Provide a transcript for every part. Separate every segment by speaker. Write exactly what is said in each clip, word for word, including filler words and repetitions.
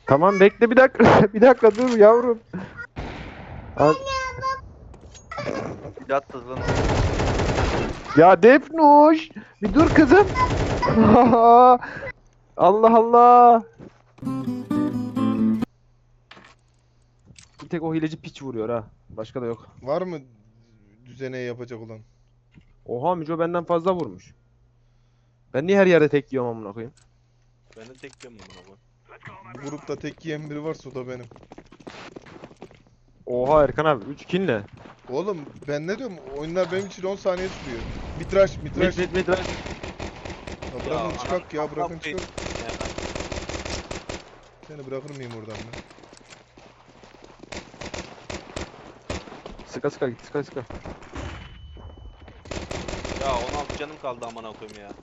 Speaker 1: Tamam bekle bir dakika. Bir dakika dur yavrum. Al-
Speaker 2: Bir de attı lan.
Speaker 1: Ya Defnuş. Bir dur kızım. Allah Allah. Bir tek o hileci piç vuruyor ha. Başka da yok.
Speaker 3: Var mı düzene yapacak olan?
Speaker 1: Oha Müco benden fazla vurmuş. Ben niye her yerde tek yiyorum amına koyayım?
Speaker 2: Ben de tek diyorum bunu baba.
Speaker 3: Bu grupta tek yiyen biri varsa o da benim.
Speaker 1: Oha Erkan abi üç kill ne?
Speaker 3: Oğlum ben ne diyorum? Oyunlar benim için on saniye sürüyor. Mitraş,
Speaker 1: Mid
Speaker 3: mitraş.
Speaker 1: mid mid right.
Speaker 3: Ya bırakın çıkak ya, bırakın çıkak.
Speaker 2: Ya,
Speaker 3: Seni bırakır mıyım oradan ben?
Speaker 1: Sıka sıka git sıka sıka.
Speaker 2: ya on altı canım kaldı amına koyayım ya.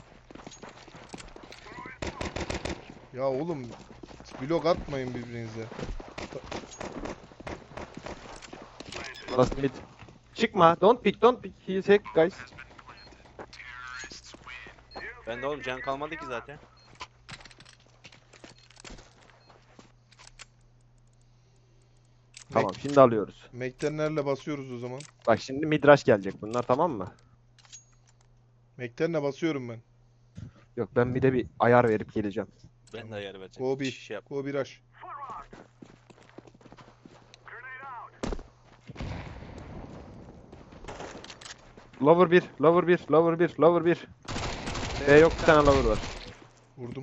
Speaker 3: Ya oğlum blok atmayın birbirinize.
Speaker 1: Last mid. Çıkma. Don't pick don't pick. He is hack guys.
Speaker 2: Ben de oğlum can kalmadı ki zaten.
Speaker 1: Tamam şimdi alıyoruz.
Speaker 3: Mektenlerle basıyoruz o zaman.
Speaker 1: Bak şimdi midrash gelecek bunlar tamam mı?
Speaker 3: Mektenle basıyorum ben.
Speaker 1: Yok ben bir de bir ayar verip geleceğim.
Speaker 2: Ben de ayar vereceğim.
Speaker 3: Go bir.
Speaker 2: Şey yap.
Speaker 3: Go bir rush.
Speaker 1: Lover bir, lover bir, lover bir, lover bir. B yok bir tane lover var.
Speaker 3: Vurdum.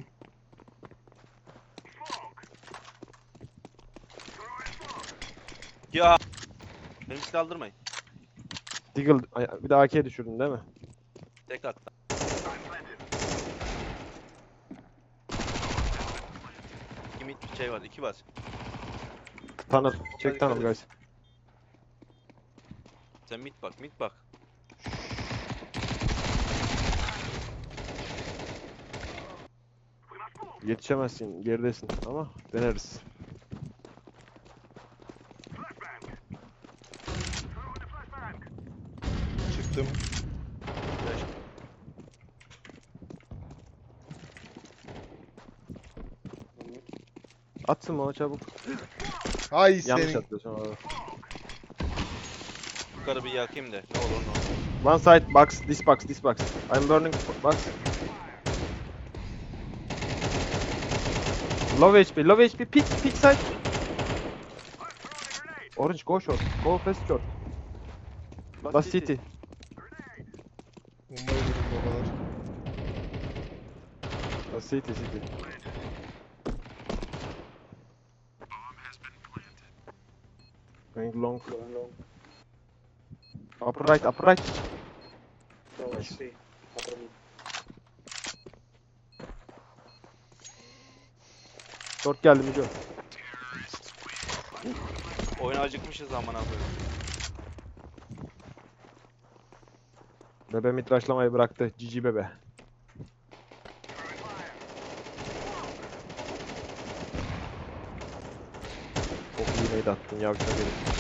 Speaker 2: Ya. Beni silah aldırmayın.
Speaker 1: Deagle ay- bir de A K'ye düşürdün değil mi?
Speaker 2: Tek attı. İki mid bir şey var. iki bas.
Speaker 1: Tanır. Çek tanım guys.
Speaker 2: Sen mid bak mid bak.
Speaker 1: Yetişemezsin geridesin ama deneriz.
Speaker 3: Çıktım.
Speaker 2: Flash.
Speaker 1: Atsın bana çabuk.
Speaker 3: Hay
Speaker 1: Yanlış
Speaker 3: senin.
Speaker 1: atıyorsun orada.
Speaker 2: Yukarı bir yakayım da. Ne olur ne olur.
Speaker 1: One side box, this box, this box. I'm burning box. Low H P, low H P, pick, pick side. Orange, go short, go fast short. Last city.
Speaker 3: Bombayı vurdum babalar.
Speaker 1: Last city, city. Going long, going long. Upper right, upper right. Nice. Short geldi Müco.
Speaker 2: Oyuna acıkmışız amına koyayım.
Speaker 1: Bebe mitraşlamayı bıraktı. Cici bebe. Çok iyi nade attın yavşak herif.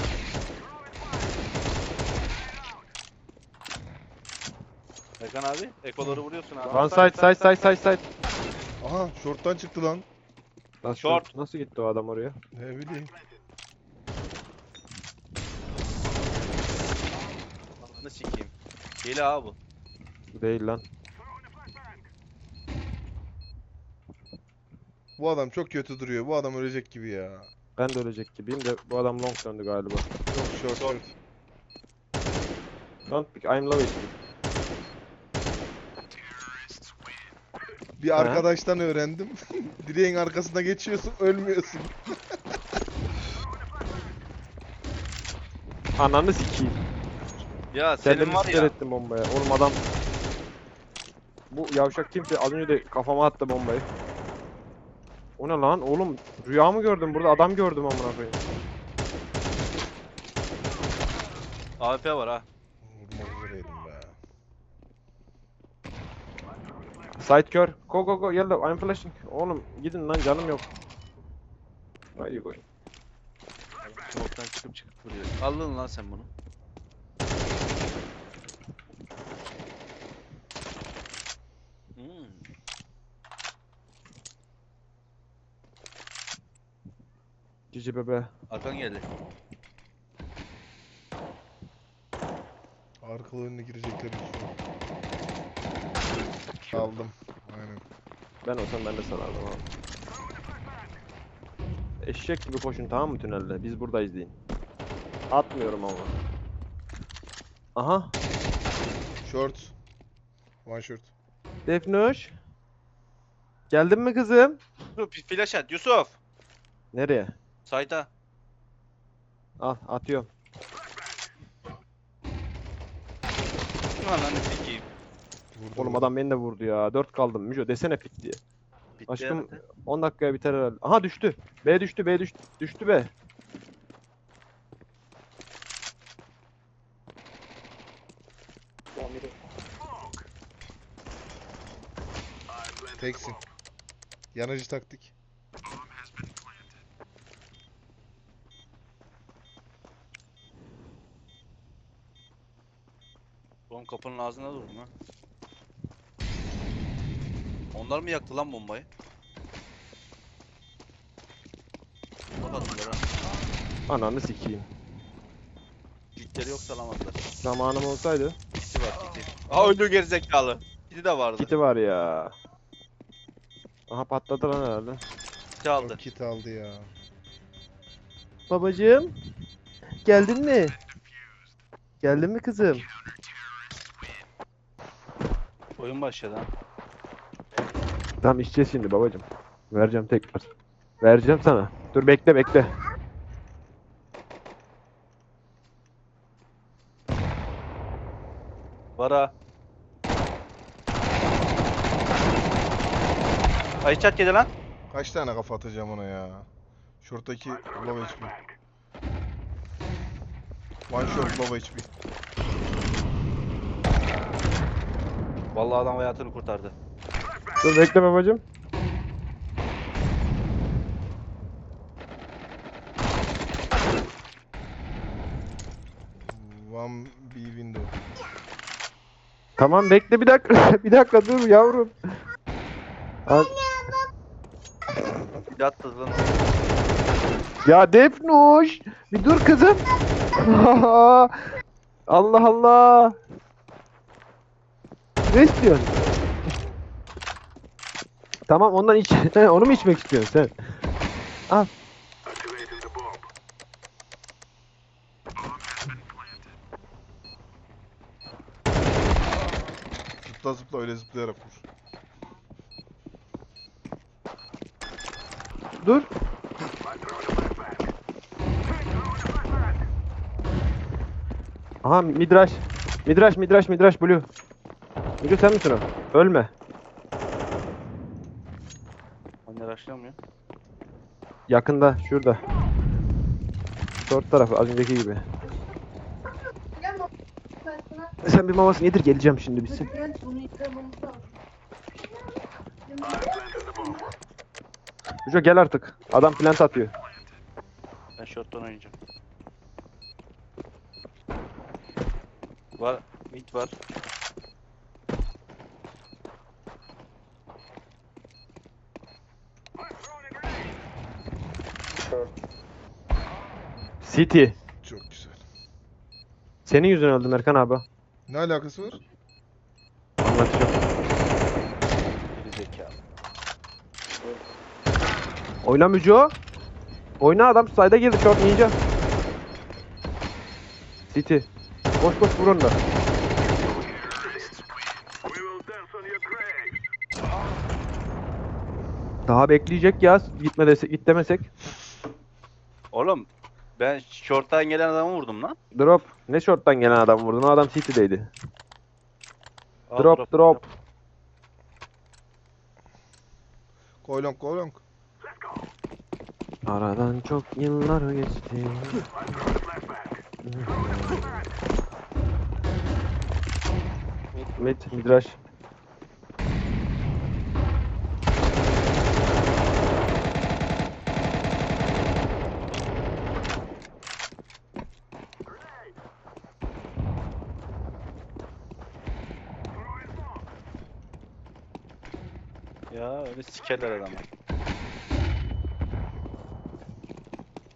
Speaker 2: Erkan abi, ekoları vuruyorsun abi.
Speaker 1: One side, side, side, side, side.
Speaker 3: Aha short'tan çıktı lan.
Speaker 1: Lan
Speaker 2: Short.
Speaker 1: Nasıl gitti o adam oraya?
Speaker 3: Ne bileyim.
Speaker 2: Ananı sikeyim. Hile abi bu.
Speaker 1: Değil lan.
Speaker 3: Bu adam çok kötü duruyor. Bu adam ölecek gibi ya.
Speaker 1: Ben de ölecek gibiyim de bu adam long döndü galiba.
Speaker 3: Yok short short.
Speaker 1: Don't pick, I'm low H P.
Speaker 3: Bir arkadaştan öğrendim. Direğin arkasına geçiyorsun, ölmüyorsun.
Speaker 1: Ananı sikeyim.
Speaker 2: Ya senin
Speaker 1: Kendimi
Speaker 2: var
Speaker 1: siper
Speaker 2: ya.
Speaker 1: ettim bombaya. Oğlum adam... Bu yavşak kimse az önce de kafama attı bombayı. O ne lan? Oğlum rüya mı gördüm? Burada adam gördüm amına koyayım.
Speaker 2: A W P var ha.
Speaker 3: Vurmak üzereydim be.
Speaker 1: Side kör. Go go go yellow. I'm flashing. Oğlum gidin lan canım yok. Where you going?
Speaker 2: Smoke'tan çıkıp çıkıp vuruyor. Aldın lan sen bunu. Hmm.
Speaker 1: Cici bebe.
Speaker 2: Arkan geldi.
Speaker 3: Arkalı önüne girecekler şu an. Aldım. Aynen.
Speaker 1: Ben olsam ben de salardım abi. Eşek gibi koşun tamam mı tünelde? Biz buradayız deyin. Atmıyorum ama. Aha.
Speaker 3: Short. One short.
Speaker 1: Defnoş. Geldin mi kızım?
Speaker 2: Dur bir flash at Yusuf.
Speaker 1: Nereye?
Speaker 2: Sayda.
Speaker 1: Al atıyorum.
Speaker 2: Ananı sikeyim.
Speaker 3: Vurdu,
Speaker 1: Oğlum
Speaker 3: vurdu.
Speaker 1: adam beni de vurdu ya. dört kaldım. Müco desene fit diye.
Speaker 2: Bitti
Speaker 1: Aşkım
Speaker 2: herhalde.
Speaker 1: on dakikaya biter herhalde. Aha düştü. B düştü B düştü. Düştü be.
Speaker 3: Teksin. Yanıcı taktik.
Speaker 2: Oğlum kapının ağzına durun ha. Onlar mı yaktı lan bombayı? Kapattılar ha.
Speaker 1: Ananı sikeyim.
Speaker 2: Kitleri yok salamazlar.
Speaker 1: Zamanım olsaydı.
Speaker 2: Kiti var kiti. Aa öldü gerizekalı. Kiti de vardı.
Speaker 1: Kiti var ya. Aha patladı lan herhalde.
Speaker 2: Kiti aldı.
Speaker 3: O kit aldı ya.
Speaker 1: Babacığım. Geldin mi? Geldin mi kızım?
Speaker 2: Oyun başladı ha.
Speaker 1: Tamam içeceğiz şimdi babacığım. Vereceğim tekrar. Vereceğim sana. Dur bekle bekle.
Speaker 2: Var ha. Ay çat yedi lan.
Speaker 3: Kaç tane kafa atacağım ona ya. Short'taki low H P. One short low H P.
Speaker 2: Vallahi adam hayatını kurtardı.
Speaker 1: Dur bekle babacığım.
Speaker 3: One B window.
Speaker 1: Tamam bekle bir dakika. Bir dakika dur yavrum. Al-
Speaker 2: Yattı lan.
Speaker 1: Ya Defnuş. Bir dur kızım. Allah Allah. Ne istiyorsun? Tamam ondan iç. He, onu mu içmek istiyorsun sen? Al.
Speaker 3: Zıpla zıpla öyle zıplayarak vur.
Speaker 1: Dur. Aha midraş. Midraş midraş midraş blue. Blue sen misin o? Ölme.
Speaker 2: Anne raşlamıyor.
Speaker 1: Yakında şurada. Short tarafı az önceki gibi. Sen bir mamasını yedir geleceğim şimdi bitsin. Müco gel artık. Adam plant atıyor.
Speaker 2: Ben short'tan oynayacağım. Var. Mid var.
Speaker 1: City.
Speaker 3: Çok güzel.
Speaker 1: Senin yüzünden öldüm Erkan abi.
Speaker 3: Ne alakası var?
Speaker 1: Anlatacağım.
Speaker 2: Gerizekalı.
Speaker 1: Oyna Müco. Oyna adam side'a girdi short ninja. City. Koş koş vur onu da. Daha bekleyecek ya gitme desek git demesek.
Speaker 2: Oğlum ben short'tan gelen adamı vurdum lan.
Speaker 1: Drop. Ne short'tan gelen adam vurdun? O adam City'deydi.
Speaker 2: Al,
Speaker 1: Drop drop.
Speaker 3: Go long go long.
Speaker 1: Aradan çok yıllar geçti. Mid, midrash.
Speaker 2: Ya öyle sikerler adamı.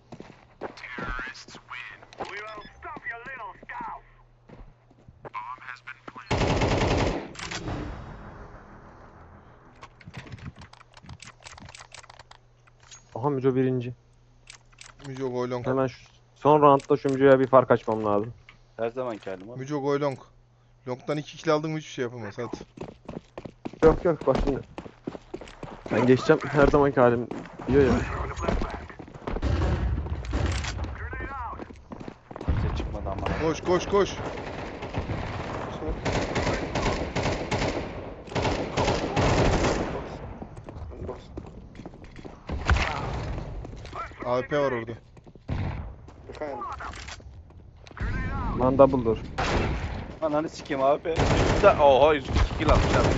Speaker 1: Aha Müco birinci.
Speaker 3: Müco Goylong.
Speaker 1: Hemen şu, son roundda şu Müco'ya bir fark açmam lazım.
Speaker 2: Her zamanki halim abi.
Speaker 3: Müco Goylong. Long'dan iki kill aldın mı hiçbir şey yapamaz hadi.
Speaker 1: Yok yok bak şimdi. Ben geçeceğim her zamanki halim diyor ya.
Speaker 2: Kimse çıkmadı ama.
Speaker 3: Koş koş koş. A W P var orada.
Speaker 1: Lan double door.
Speaker 2: Ananı sikeyim abi. Üstte, oha yüz iki kill atmış abi.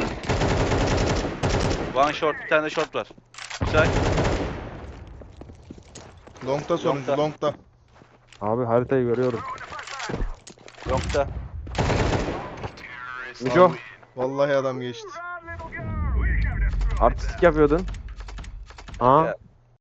Speaker 2: One short, bir tane de short var. Güzel.
Speaker 3: Long'da sonuncu
Speaker 2: Long'da.
Speaker 3: Long'da.
Speaker 1: Abi haritayı görüyorum.
Speaker 2: Yokta.
Speaker 1: Müco
Speaker 3: Vallahi adam geçti.
Speaker 1: artistik yapıyordun. Aa
Speaker 2: Ya,